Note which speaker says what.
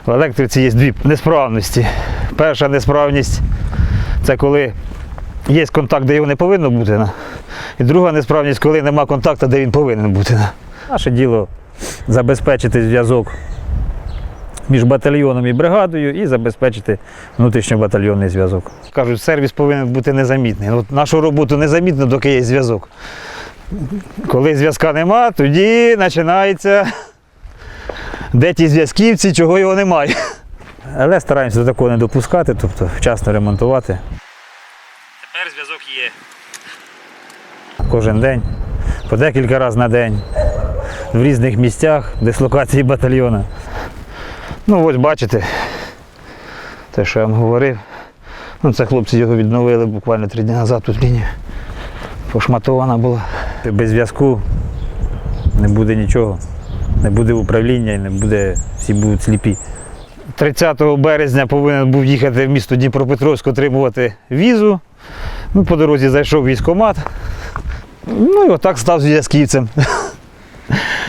Speaker 1: В електриці є дві несправності. Перша несправність – це коли є контакт, де його не повинно бути. І друга несправність, коли нема контакту, де він повинен бути. Наше діло – забезпечити зв'язок між батальйоном і бригадою і забезпечити внутрішньобатальйонний зв'язок. Кажуть, сервіс повинен бути незамітний. От нашу роботу незамітно, доки є зв'язок. Коли зв'язка нема, тоді починається, де ті зв'язківці, чого його немає. Але стараємося до такого не допускати, тобто вчасно ремонтувати. Тепер зв'язок є. Кожен день, по декілька разів на день, в різних місцях, дислокації батальйону. Ну ось бачите, те, що я вам говорив. Це хлопці його відновили буквально 3 дні назад, тут лінія пошматована була. Без зв'язку не буде нічого, не буде управління і не буде, всі будуть сліпі. 30 березня повинен був їхати в місто Дніпропетровськ отримувати візу. По дорозі зайшов в військкомат. І отак став зв'язківцем.